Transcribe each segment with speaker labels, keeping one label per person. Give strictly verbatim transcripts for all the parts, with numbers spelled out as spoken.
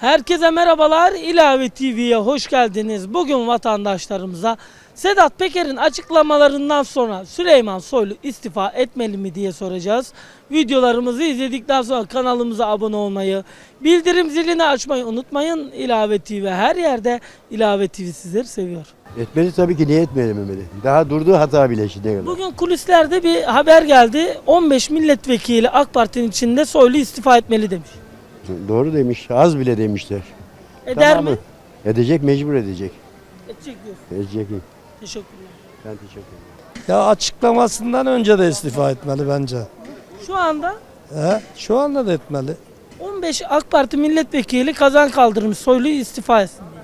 Speaker 1: Herkese merhabalar. İlave T V'ye hoş geldiniz. Bugün vatandaşlarımıza Sedat Peker'in açıklamalarından sonra Süleyman Soylu istifa etmeli mi diye soracağız. Videolarımızı izledikten sonra kanalımıza abone olmayı, bildirim zilini açmayı unutmayın. İlave T V her yerde. İlave T V sizleri seviyor.
Speaker 2: Etmeli tabii ki, niye etmemeli? Daha durduğu hata bile şimdiye kadar.
Speaker 1: Bugün kulislerde bir haber geldi. on beş milletvekili AK Parti'nin içinde Soylu istifa etmeli demiş.
Speaker 2: Doğru demiş, az bile demişler.
Speaker 1: Eder
Speaker 2: Tamamı.
Speaker 1: mi?
Speaker 2: Edecek, mecbur edecek.
Speaker 1: Edecek diyor.
Speaker 2: Edecek.
Speaker 1: Teşekkürler.
Speaker 2: Ben teşekkür ederim.
Speaker 3: Ya açıklamasından önce de istifa etmeli bence.
Speaker 1: Şu anda
Speaker 3: He? Şu anda da etmeli.
Speaker 1: on beş AK Parti milletvekili kazan kaldırmış, Soylu istifa etsin diye.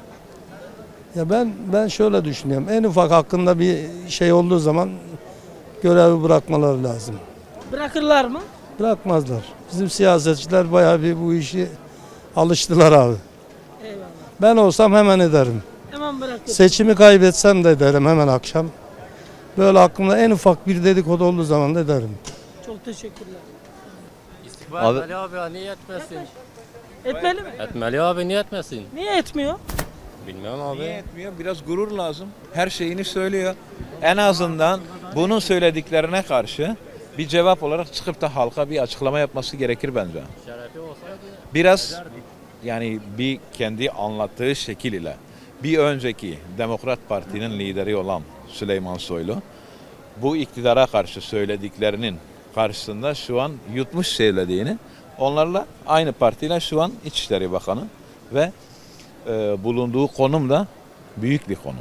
Speaker 3: Ya ben ben şöyle düşünüyorum. En ufak hakkında bir şey olduğu zaman görevi bırakmaları lazım.
Speaker 1: Bırakırlar mı?
Speaker 3: Bırakmazlar. Bizim siyasetçiler bayağı bir bu işi alıştılar abi.
Speaker 1: Eyvallah.
Speaker 3: Ben olsam hemen ederim.
Speaker 1: Hemen bırakır.
Speaker 3: Seçimi kaybetsem de ederim hemen akşam. Böyle aklımda en ufak bir dedikodu olduğu zaman da ederim.
Speaker 1: Çok teşekkürler.
Speaker 4: İstifa
Speaker 5: Abi-
Speaker 4: etmeli abi ya, niye etmesin?
Speaker 1: Etmeli mi?
Speaker 4: Etmeli abi, niye etmesin?
Speaker 1: Niye etmiyor?
Speaker 4: Bilmiyorum abi.
Speaker 6: Niye etmiyor? Biraz gurur lazım. Her şeyini söylüyor. En azından bunun söylediklerine karşı bir cevap olarak çıkıp da halka bir açıklama yapması gerekir bence.
Speaker 4: Şerefi olsaydı
Speaker 6: Biraz yani bir kendi anlattığı şekil ile bir önceki Demokrat Parti'nin lideri olan Süleyman Soylu bu iktidara karşı söylediklerinin karşısında şu an yutmuş söylediğini, onlarla aynı partiyle şu an İçişleri Bakanı ve e, bulunduğu konum da büyük bir konum.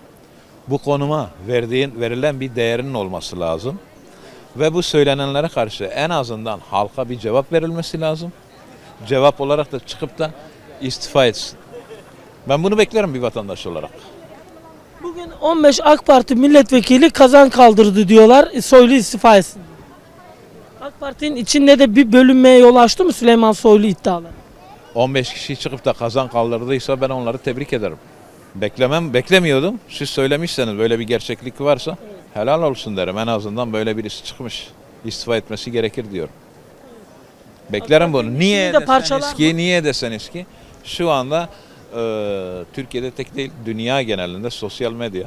Speaker 6: Bu konuma verdiğin verilen bir değerinin olması lazım ve bu söylenenlere karşı en azından halka bir cevap verilmesi lazım. Cevap olarak da çıkıp da istifa etsin. Ben bunu beklerim bir vatandaş olarak.
Speaker 1: Bugün on beş AK Parti milletvekili kazan kaldırdı diyorlar. e, Soylu istifa etsin diye. AK Parti'nin içinde de bir bölünmeye yol açtı mı Süleyman Soylu iddiaları?
Speaker 6: on beş kişi çıkıp da kazan kaldırdıysa ben onları tebrik ederim. Beklemem, beklemiyordum. Siz söylemişseniz böyle bir gerçeklik varsa helal olsun derim. En azından böyle birisi çıkmış. İstifa etmesi gerekir diyorum. Beklerim bunu. Niye
Speaker 1: içini de
Speaker 6: deseniz
Speaker 1: parçalar
Speaker 6: ki, niye deseniz ki şu anda e, Türkiye'de tek değil dünya genelinde sosyal medya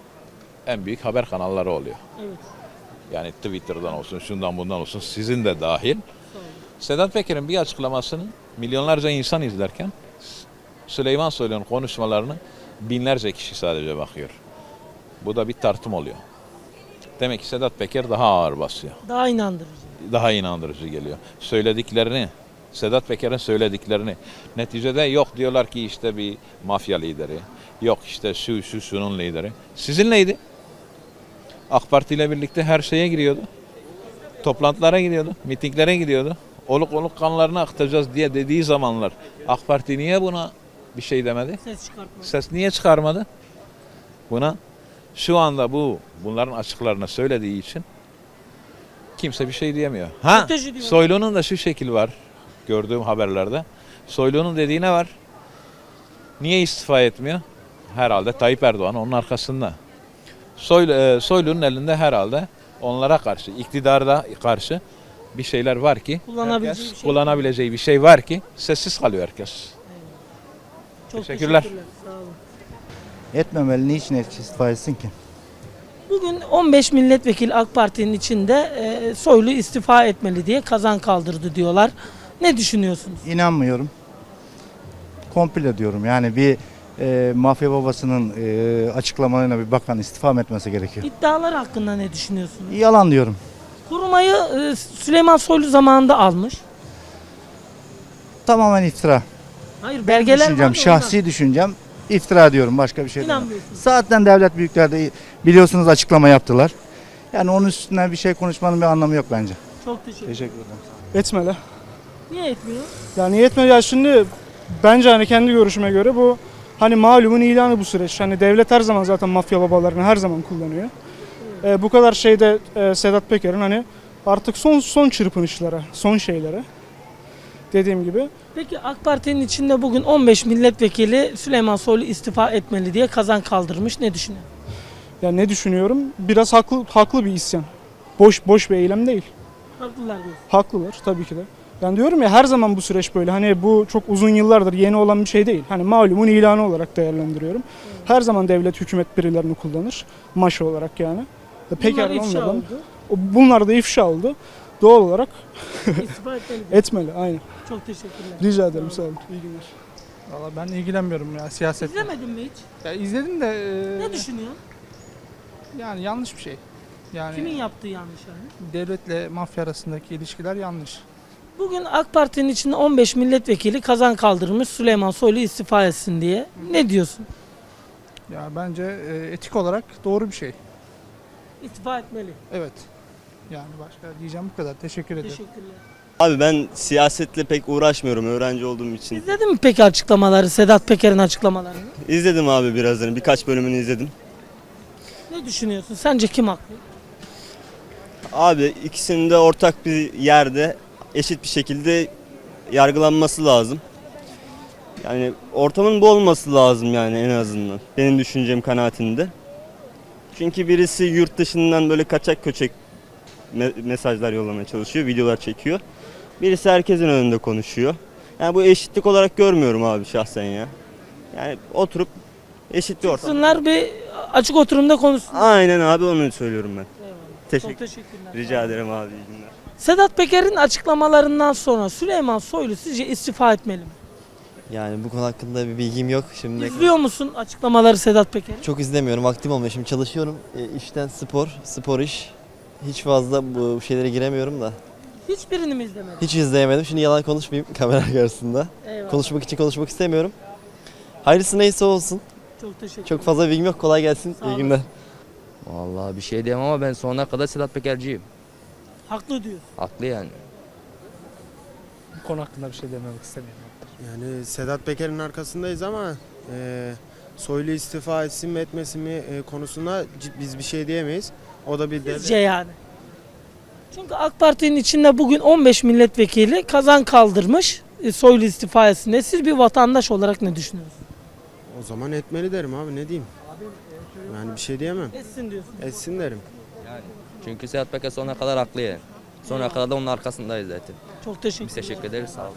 Speaker 6: en büyük haber kanalları oluyor.
Speaker 1: Evet.
Speaker 6: Yani Twitter'dan olsun, şundan bundan olsun, sizin de dahil. Sedat Peker'in bir açıklamasını milyonlarca insan izlerken Süleyman Soylu'nun konuşmalarını binlerce kişi sadece bakıyor. Bu da bir tartım oluyor. Demek ki Sedat Peker daha ağır basıyor.
Speaker 1: Daha inandırıcı.
Speaker 6: Daha inandırıcı geliyor. Söylediklerini, Sedat Peker'in söylediklerini neticede yok diyorlar ki işte bir mafya lideri, yok işte şu şu şunun lideri. Sizin neydi? AK Parti ile birlikte her şeye giriyordu. Toplantılara gidiyordu, mitinglere gidiyordu. Oluk oluk kanlarını akıtacağız diye dediği zamanlar AK Parti niye buna bir şey demedi?
Speaker 1: Ses çıkartma.
Speaker 6: Ses niye çıkarmadı? Buna şu anda bu bunların açıklarını söylediği için kimse bir şey diyemiyor. Ha,
Speaker 1: Strateji diyor.
Speaker 6: Soylu'nun da şu şekil var gördüğüm haberlerde. Soylu'nun dediği ne var? Niye istifa etmiyor? Herhalde Tayyip Erdoğan onun arkasında. Soylu, e, Soylu'nun elinde herhalde onlara karşı, iktidarda karşı bir şeyler var ki
Speaker 1: Kullanabileceği
Speaker 6: herkes,
Speaker 1: bir şey.
Speaker 6: kullanabileceği bir şey var ki sessiz kalıyor herkes.
Speaker 1: Çok
Speaker 6: Teşekkürler.
Speaker 1: Sağ olun.
Speaker 5: Etmemeli. Niçin istifa etsin ki?
Speaker 1: Bugün on beş milletvekili AK Parti'nin içinde e, Soylu istifa etmeli diye kazan kaldırdı diyorlar. Ne düşünüyorsunuz?
Speaker 5: İnanmıyorum. Komple diyorum. Yani bir e, mafya babasının e, açıklamalarına bir bakan istifa mı etmesi gerekiyor?
Speaker 1: İddialar hakkında ne düşünüyorsunuz?
Speaker 5: Yalan diyorum.
Speaker 1: Kurmayı e, Süleyman Soylu zamanında almış.
Speaker 5: Tamamen iftira.
Speaker 1: Hayır, belgeler var
Speaker 5: Düşüncem,
Speaker 1: da
Speaker 5: şahsi düşüncem iftira diyorum. Başka bir şey değil.
Speaker 1: İnanmıyorsunuz.
Speaker 5: Zaten devlet büyükleri de biliyorsunuz açıklama yaptılar. Yani onun üstünden bir şey konuşmanın bir anlamı yok bence.
Speaker 1: ondan. Çok teşekkür ederim.
Speaker 5: Teşekkür ederim.
Speaker 7: Etmeli.
Speaker 1: Niye etmiyor?
Speaker 7: Yani etmeli ya şimdi bence hani kendi görüşüme göre bu hani malumun ilanı bu süreç. Hani devlet her zaman zaten mafya babalarını her zaman kullanıyor. Ee, bu kadar şeyde e, Sedat Peker'in hani artık son son çırpınışlara, son şeylere dediğim gibi.
Speaker 1: Peki AK Parti'nin içinde bugün on beş milletvekili Süleyman Soylu istifa etmeli diye kazan kaldırmış. Ne düşünüyorsun?
Speaker 7: Yani ne düşünüyorum? Biraz haklı haklı bir isyan. Boş boş bir eylem değil.
Speaker 1: Haklılar diyorsun.
Speaker 7: Haklılar tabii ki de. Ben diyorum ya her zaman bu süreç böyle. Hani bu çok uzun yıllardır yeni olan bir şey değil. Hani malumun ilanı olarak değerlendiriyorum. Her zaman devlet, hükümet birilerini kullanır. Maşa olarak yani. Ve Peker
Speaker 1: Bunlar ifşa
Speaker 7: onlardan.
Speaker 1: oldu.
Speaker 7: O- Bunlar da ifşa oldu. Doğal olarak
Speaker 1: İstifa etmeli.
Speaker 7: etmeli. Aynen.
Speaker 1: Çok teşekkürler.
Speaker 7: Rica ederim. Sağ olun. İyi günler.
Speaker 8: Valla ben ilgilenmiyorum ya siyaset.
Speaker 1: İzlemedin mi hiç?
Speaker 8: Ya izledim de e,
Speaker 1: Ne düşünüyorsun?
Speaker 8: yani yanlış bir şey. Yani
Speaker 1: Kimin yaptığı yanlış yani?
Speaker 8: devletle mafya arasındaki ilişkiler yanlış.
Speaker 1: Bugün AK Parti'nin içinde on beş milletvekili kazan kaldırmış Süleyman Soylu istifa etsin diye. Ne diyorsun?
Speaker 8: Ya bence e, etik olarak doğru bir şey.
Speaker 1: İstifa etmeli.
Speaker 8: Evet. Yani başka diyeceğim bu kadar. Teşekkür ederim.
Speaker 1: Teşekkürler.
Speaker 9: Abi ben siyasetle pek uğraşmıyorum öğrenci olduğum için.
Speaker 1: İzledin mi peki açıklamaları, Sedat Peker'in açıklamalarını?
Speaker 9: İzledim abi birazını, birkaç bölümünü izledim.
Speaker 1: Ne düşünüyorsun? Sence kim haklı?
Speaker 9: Abi ikisinin de ortak bir yerde eşit bir şekilde yargılanması lazım. Yani ortamın bu olması lazım yani en azından. Benim düşüncem kanaatinde. Çünkü birisi yurt dışından böyle kaçak köçek me- mesajlar yollamaya çalışıyor, videolar çekiyor. Birisi herkesin önünde konuşuyor. Yani bu eşitlik olarak görmüyorum abi şahsen ya. Yani oturup eşit bir ortam.
Speaker 1: Çıksınlar bir açık oturumda konuşsunlar.
Speaker 9: Aynen abi onu söylüyorum ben.
Speaker 1: Eyvallah.
Speaker 9: Teşekkür,
Speaker 1: Çok teşekkürler.
Speaker 9: rica ederim abi iyi günler.
Speaker 1: Sedat Peker'in açıklamalarından sonra Süleyman Soylu sizce istifa etmeli mi?
Speaker 10: Yani bu konu hakkında bir bilgim yok. Şimdi
Speaker 1: İzliyor musun açıklamaları Sedat Peker'in?
Speaker 10: çok izlemiyorum, vaktim olmuyor. Şimdi çalışıyorum. E, işten spor, spor iş. Hiç fazla bu şeylere giremiyorum da.
Speaker 1: Hiçbirini mi izlemedin?
Speaker 10: Hiç izleyemedim. Şimdi yalan konuşmayayım kamera karşısında.
Speaker 1: Eyvallah.
Speaker 10: Konuşmak için konuşmak istemiyorum. Hayırlısı neyse olsun.
Speaker 1: Çok teşekkür
Speaker 10: Çok fazla bilgim yok. Kolay gelsin.
Speaker 1: Sağ
Speaker 10: İyi
Speaker 1: olun.
Speaker 10: günler.
Speaker 11: Vallahi bir şey diyemem ama ben sonuna kadar Sedat Pekerciyim.
Speaker 1: Haklı diyorsun.
Speaker 11: Haklı yani.
Speaker 8: Bu konu hakkında bir şey dememek istemiyorum.
Speaker 12: Yani Sedat Peker'in arkasındayız ama e, Soylu istifa etsin mi etmesin mi e, konusunda cid- biz bir şey diyemeyiz. O da bir devlet.
Speaker 1: Sizce yani. Çünkü AK Parti'nin içinde bugün on beş milletvekili kazan kaldırmış e, Soylu istifa etsin diye. Siz bir vatandaş olarak ne düşünüyorsunuz?
Speaker 12: O zaman etmeli derim abi ne diyeyim. Yani bir şey diyemem.
Speaker 1: Etsin diyorsun.
Speaker 12: Etsin derim.
Speaker 11: Çünkü Sedat Peker sonuna kadar haklı yani. Sonuna kadar da onun arkasındayız zaten.
Speaker 1: Çok teşekkür
Speaker 11: Biz teşekkür ederiz sağ olun.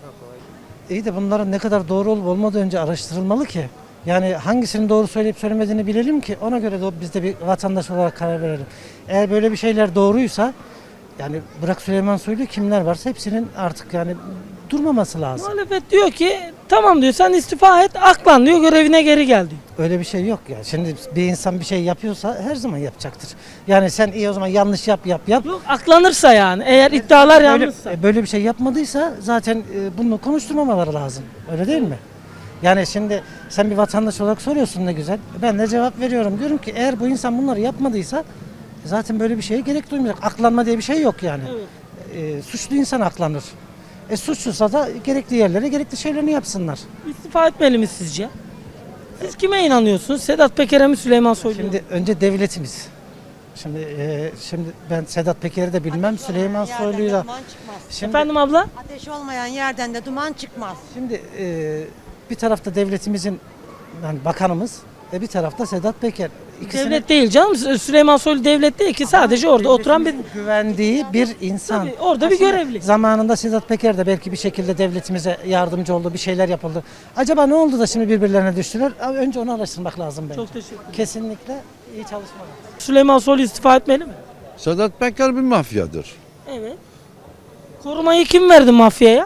Speaker 13: İyi de bunların ne kadar doğru olup olmadığı önce araştırılmalı ki. Yani hangisinin doğru söyleyip söylemediğini bilelim ki ona göre de biz de bir vatandaş olarak karar verelim. Eğer böyle bir şeyler doğruysa yani bırak Süleyman Soylu kimler varsa hepsinin artık yani durmaması lazım.
Speaker 1: Muhalefet diyor ki tamam diyor sen istifa et aklan diyor görevine geri gel diyor.
Speaker 13: Öyle bir şey yok ya. Şimdi bir insan bir şey yapıyorsa her zaman yapacaktır. Yani sen iyi o zaman yanlış yap yap yap.
Speaker 1: Yok aklanırsa yani eğer iddialar
Speaker 13: Böyle,
Speaker 1: yanlışsa.
Speaker 13: e, böyle bir şey yapmadıysa zaten e, bunu konuşturmamaları lazım. Öyle değil mi? Yani şimdi sen bir vatandaş olarak soruyorsun ne güzel. Ben de cevap veriyorum. Diyorum ki eğer bu insan bunları yapmadıysa zaten böyle bir şeye gerek duymayacak. Aklanma diye bir şey yok yani.
Speaker 1: Evet.
Speaker 13: E, suçlu insan aklanır. E suçluysa da gerekli yerlere gerekli şeylerini yapsınlar.
Speaker 1: İstifa etmeli mi sizce? Siz kime inanıyorsunuz? Sedat Peker'e mi Süleyman Soylu'ya mı?
Speaker 13: Şimdi önce devletimiz. Şimdi e, şimdi ben Sedat Peker'i de bilmem, Süleyman Soylu'yu da. Şimdi,
Speaker 1: Efendim abla?
Speaker 14: Ateş olmayan yerden de duman çıkmaz.
Speaker 13: Şimdi e, bir tarafta devletimizin yani bakanımız, e, bir tarafta Sedat Peker. İkisinin
Speaker 1: Devlet değil canım. Sü- Süleyman Soylu devlet değil ki sadece orada oturan bir
Speaker 13: güvendiği bir insan.
Speaker 1: Tabii, orada bir
Speaker 13: Aslında
Speaker 1: görevli.
Speaker 13: Zamanında Sedat Peker de belki bir şekilde devletimize yardımcı oldu, bir şeyler yapıldı. Acaba ne oldu da şimdi birbirlerine düştüler? Abi önce onu araştırmak lazım bence.
Speaker 1: Çok teşekkür ederim.
Speaker 13: Kesinlikle iyi çalışmalar.
Speaker 1: Süleyman Soylu istifa etmeli mi?
Speaker 2: Sedat Peker bir mafyadır.
Speaker 1: Evet. Korumayı kim verdi mafyaya?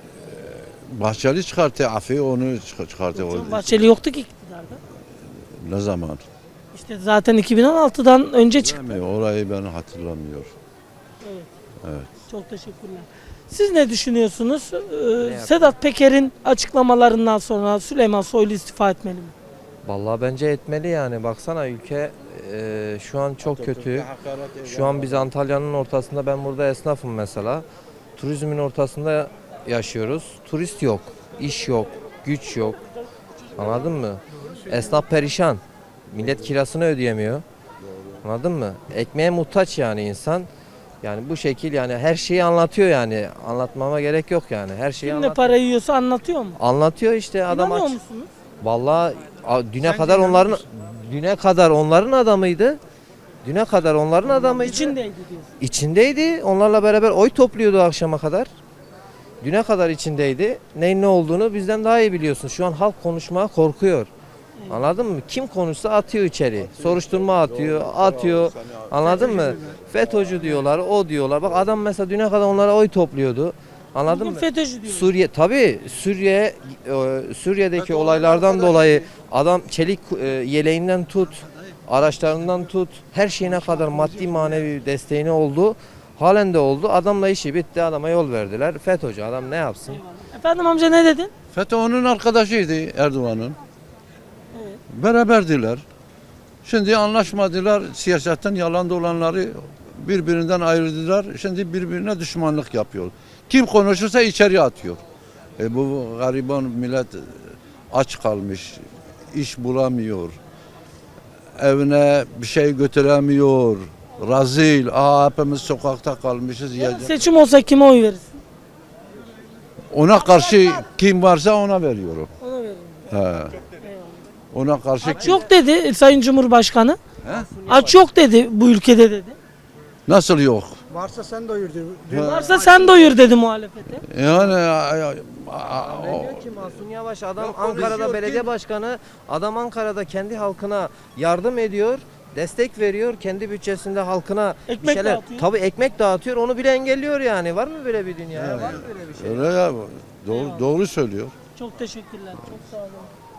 Speaker 2: Bahçeli çıkarttı, Afi onu çık- çıkarttı.
Speaker 1: Çok Bahçeli yoktu ki iktidarda.
Speaker 2: Ne zaman?
Speaker 1: İşte zaten iki bin on altıdan önce çıktı.
Speaker 2: Bilmiyorum, orayı ben hatırlamıyorum.
Speaker 1: Evet.
Speaker 2: Evet.
Speaker 1: Çok teşekkürler. Siz ne düşünüyorsunuz? Ee, Sedat Peker'in açıklamalarından sonra Süleyman Soylu istifa etmeli mi?
Speaker 11: Vallahi bence etmeli yani. Baksana ülke e, şu an çok kötü. Şu an biz Antalya'nın ortasında, ben burada esnafım mesela. Turizmin ortasında yaşıyoruz. Turist yok, iş yok, güç yok. Anladın mı? Esnaf perişan. Millet kirasını ödeyemiyor. Anladın mı? Ekmeğe muhtaç yani insan. Yani bu şekil yani her şeyi anlatıyor yani. Anlatmama gerek yok yani. Her şeyi
Speaker 1: Kim ne
Speaker 11: anlatıyor.
Speaker 1: para yiyorsa anlatıyor mu?
Speaker 11: Anlatıyor işte adam
Speaker 1: İnanıyor
Speaker 11: aç.
Speaker 1: musunuz?
Speaker 11: Vallahi a- düne kadar onların düne kadar onların adamıydı. Düne kadar onların adamıydı.
Speaker 1: İçindeydi diyorsun.
Speaker 11: İçindeydi. Onlarla beraber oy topluyordu akşama kadar. düne kadar içindeydi. Neyin ne olduğunu bizden daha iyi biliyorsun. Şu an halk konuşmaya korkuyor. Anladın mı? Kim konuşsa atıyor içeri. Soruşturma atıyor, atıyor. Anladın mı? FETÖ'cü diyorlar, o diyorlar. Bak adam mesela düne kadar onlara oy topluyordu. Anladın
Speaker 1: Bugün
Speaker 11: mı?
Speaker 1: FETÖ'cü diyor.
Speaker 11: Suriye tabii Suriye e, Suriye'deki olaylardan dolayı adam çelik e, yeleğinden tut, araçlarından tut, her şeyine kadar maddi manevi desteğini oldu. Halen de oldu. Adamla işi bitti. Adama yol verdiler. FETÖ'cü adam ne yapsın?
Speaker 1: Efendim amca ne dedin?
Speaker 15: FETÖ onun arkadaşıydı Erdoğan'ın. Beraberdiler. Şimdi anlaşmadılar. Siyasetten yalan dolanları birbirinden ayırdılar. Şimdi birbirine düşmanlık yapıyor. Kim konuşursa içeri atıyor. E bu gariban millet aç kalmış. İş bulamıyor. Evine bir şey götüremiyor. Razil. Aa, hepimiz sokakta kalmışız.
Speaker 1: Yarın seçim olsa kime oy verirsin?
Speaker 15: Ona karşı kim varsa ona veriyorum.
Speaker 1: Ona veririm.
Speaker 15: He. Ona karşı
Speaker 1: Aç yok dedi Sayın Cumhurbaşkanı.
Speaker 15: He?
Speaker 1: Aç yok dedi bu ülkede dedi.
Speaker 15: Nasıl yok?
Speaker 3: Varsa sen doyur
Speaker 15: He.
Speaker 1: Varsa sen doyur dedi muhalefete.
Speaker 15: Yani a- a- a-
Speaker 11: Ben diyor ki Mahsun Yavaş adam Ankara'da belediye başkanı, adam Ankara'da kendi halkına yardım ediyor, destek veriyor, kendi bütçesinde halkına bir
Speaker 1: Ekmek
Speaker 11: şeyler,
Speaker 1: dağıtıyor.
Speaker 11: tabii ekmek dağıtıyor, onu bile engelliyor yani. Var mı böyle bir dünya? ya? Var mı böyle bir şey?
Speaker 15: öyle ya. Doğru, doğru söylüyor.
Speaker 1: Çok teşekkürler. Çok sağ olun.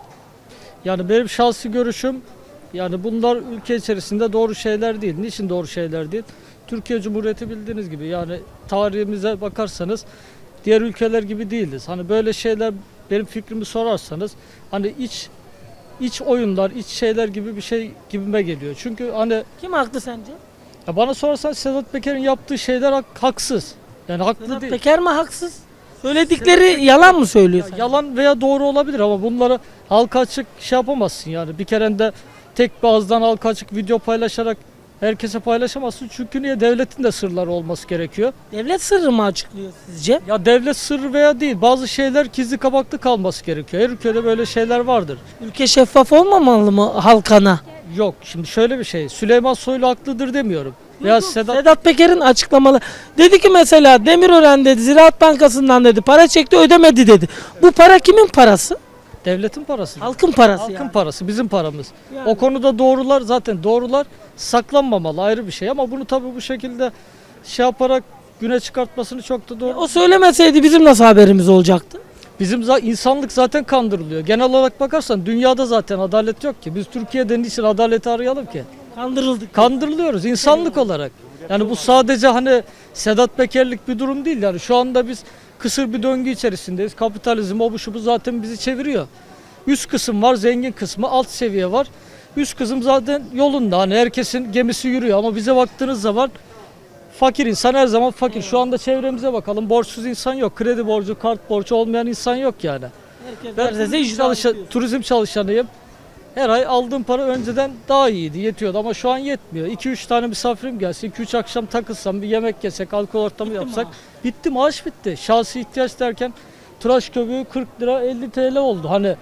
Speaker 8: Yani benim şahsi görüşüm, yani bunlar ülke içerisinde doğru şeyler değil. Niçin doğru şeyler değil? Türkiye Cumhuriyeti bildiğiniz gibi, yani tarihimize bakarsanız diğer ülkeler gibi değiliz. Hani böyle şeyler, benim fikrimi sorarsanız hani iç iç oyunlar, iç şeyler gibi bir şey gibime geliyor. Çünkü hani
Speaker 1: Kim haklı sence?
Speaker 8: ya bana sorarsan Sedat Peker'in yaptığı şeyler hak- haksız. Yani haklı
Speaker 1: Sedat
Speaker 8: değil.
Speaker 1: Peker mi haksız? Söyledikleri yalan mı söylüyor
Speaker 8: Ya
Speaker 1: sence?
Speaker 8: yalan veya doğru olabilir ama bunları halka açık şey yapamazsın yani. Bir kerende tek bir ağızdan halka açık video paylaşarak herkese paylaşamazsın. Çünkü niye? Devletin de sırları olması gerekiyor.
Speaker 1: Devlet sırrı mı açıklıyor sizce?
Speaker 8: Ya devlet sırrı veya değil, bazı şeyler gizli kapaklı kalması gerekiyor. Her ülkede böyle şeyler vardır.
Speaker 1: Ülke şeffaf olmamalı mı halkana?
Speaker 8: Yok, şimdi şöyle bir şey, Süleyman Soylu haklıdır demiyorum. Veya Sedat,
Speaker 1: Sedat Peker'in açıklamaları. Dedi ki mesela Demirören dedi Ziraat Bankası'ndan dedi para çekti ödemedi dedi. Bu para kimin parası?
Speaker 8: devletin parası.
Speaker 1: Halkın parası
Speaker 8: Halkın
Speaker 1: yani.
Speaker 8: parası, bizim paramız.
Speaker 1: Yani.
Speaker 8: O konuda doğrular, zaten doğrular saklanmamalı, ayrı bir şey, ama bunu tabii bu şekilde şey yaparak güne çıkartmasını çok da doğru.
Speaker 1: O söylemeseydi bizim nasıl haberimiz olacaktı?
Speaker 8: Bizim za- insanlık zaten kandırılıyor. Genel olarak bakarsan dünyada zaten adalet yok ki. Biz Türkiye'de niçin adaleti arayalım ki?
Speaker 1: Kandırıldık.
Speaker 8: Kandırılıyoruz insanlık olarak. Yani bu sadece hani Sedat Peker'lik bir durum değil. Yani şu anda biz kısır bir döngü içerisindeyiz. Kapitalizm, o bu şu bu zaten bizi çeviriyor. Üst kısım var, zengin kısmı, alt seviye var. Üst kısım zaten yolunda. Hani herkesin gemisi yürüyor ama bize baktığınız zaman fakir insan her zaman fakir. Şu anda çevremize bakalım. Borçsuz insan yok. Kredi borcu, kart borcu olmayan insan yok yani.
Speaker 1: Herkes
Speaker 8: Ben
Speaker 1: neredeyse
Speaker 8: turizm,
Speaker 1: icra
Speaker 8: çalışa-
Speaker 1: ediyor.
Speaker 8: turizm çalışanıyım. Her ay aldığım para önceden daha iyiydi, yetiyordu ama şu an yetmiyor. iki üç tane misafirim gelse, iki üç akşam takılsam, bir yemek yesek, alkol ortamı
Speaker 1: Bitti
Speaker 8: yapsak,
Speaker 1: maaş.
Speaker 8: bitti maaş bitti. Şahsi ihtiyaç derken tıraş köpüğü kırk lira elli TL oldu. Hani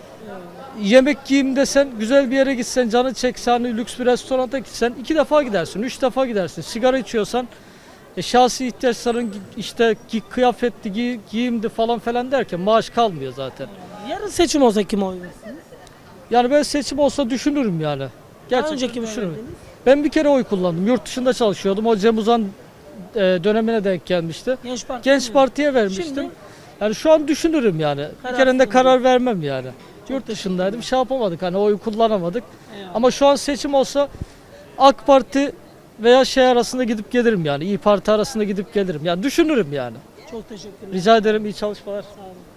Speaker 8: yemek yiyeyim desen, güzel bir yere gitsen, canı çekse, hani lüks bir restoranta gitsen iki defa gidersin, üç defa gidersin. Sigara içiyorsan e, şahsi ihtiyaçların gi- işte gi- kıyafetti, gi- giyimdi falan falan derken maaş kalmıyor zaten.
Speaker 1: Yarın seçim olsa kime oy verirsin?
Speaker 8: Yani ben seçim olsa düşünürüm yani.
Speaker 1: Daha
Speaker 8: Gerçekten
Speaker 1: önce kime
Speaker 8: düşünürüm.
Speaker 1: verdiniz?
Speaker 8: Ben bir kere oy kullandım. Yurt dışında çalışıyordum. O Cem Uzan e, dönemine denk gelmişti.
Speaker 1: Genç Parti.
Speaker 8: Genç
Speaker 1: mi?
Speaker 8: Parti'ye vermiştim.
Speaker 1: Şimdi?
Speaker 8: Yani şu an düşünürüm yani. Bir
Speaker 1: Kararsız
Speaker 8: kerende
Speaker 1: mı
Speaker 8: karar vermem yani. Yurt dışındaydım. Şey yapamadık, hani oy kullanamadık.
Speaker 1: Eyvallah.
Speaker 8: Ama şu an seçim olsa AK Parti veya şey arasında gidip gelirim yani. İyi Parti arasında gidip gelirim. Yani düşünürüm yani.
Speaker 1: Çok teşekkürler.
Speaker 8: Rica ederim, iyi çalışmalar.
Speaker 1: Sağ olun.